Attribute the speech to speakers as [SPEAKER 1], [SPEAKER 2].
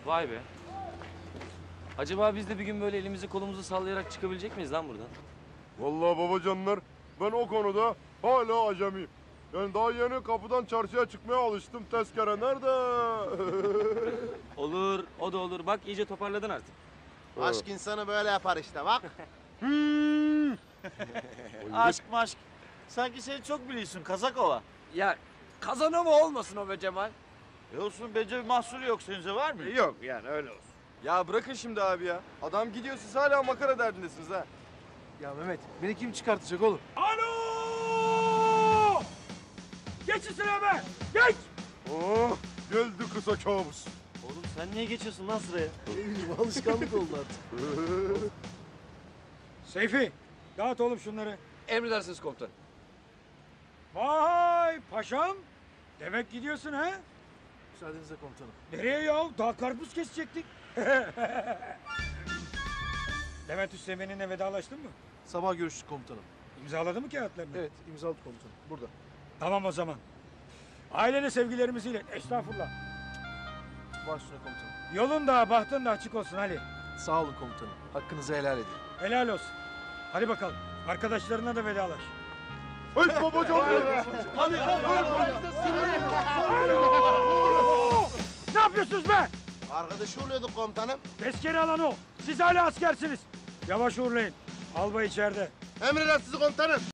[SPEAKER 1] Vay be. Acaba biz de bir gün böyle elimizi kolumuzu sallayarak çıkabilecek miyiz lan buradan?
[SPEAKER 2] Vallahi babacanlar ben o konuda hala acemiyim. Yani daha yeni kapıdan çarşıya çıkmaya alıştım. Tezkere nerede?
[SPEAKER 1] Olur, o da olur. Bak iyice toparladın artık.
[SPEAKER 3] Aşk insanı böyle yapar işte bak.
[SPEAKER 4] Aşk maşk. Sanki sen çok biliyorsun Kazakova.
[SPEAKER 5] Ya kazana mı olmasın o be Cemal?
[SPEAKER 4] Olsun bence bir mahsuru yok sence var mı?
[SPEAKER 5] Yok yani öyle olsun.
[SPEAKER 6] Ya bırakın şimdi abi ya. Adam gidiyor siz hala makara derdindesiniz ha.
[SPEAKER 7] Ya Mehmet, beni kim çıkartacak oğlum?
[SPEAKER 5] Alo! Geç üstüne be! Geç!
[SPEAKER 2] Oh, geldi kısa kabus.
[SPEAKER 4] Oğlum sen niye geçiyorsun lan sıraya?
[SPEAKER 7] Alışkanlık oldu artık.
[SPEAKER 8] Seyfi, dağıt oğlum şunları.
[SPEAKER 5] Emredersiniz komutanım.
[SPEAKER 8] Vay paşam. Demek gidiyorsun ha?
[SPEAKER 7] Müsaadenizle komutanım.
[SPEAKER 8] Nereye ya? Daha karpuz kesecektik. Demet Üsteğmen'inle vedalaştın mı?
[SPEAKER 7] Sabah görüştük komutanım.
[SPEAKER 8] İmzaladı mı kağıtlarını?
[SPEAKER 7] Evet, imzaladık komutanım. Burada.
[SPEAKER 8] Tamam o zaman. Ailene sevgilerimizi ilet. Estağfurullah.
[SPEAKER 7] Baş üstüne komutanım.
[SPEAKER 8] Yolun da bahtın da açık olsun Ali.
[SPEAKER 7] Sağ olun komutanım. Hakkınızı helal edin.
[SPEAKER 8] Helal olsun. Hadi bakalım. Arkadaşlarına da vedalaş.
[SPEAKER 2] Hey babacanlar.
[SPEAKER 8] Ne yapıyorsunuz be?
[SPEAKER 3] Arkadaşı oluyorduk komutanım.
[SPEAKER 8] Tezkere alan o. Siz hala askersiniz. Yavaş uğurlayın. Albay içeride.
[SPEAKER 3] Emredersiniz komutanım.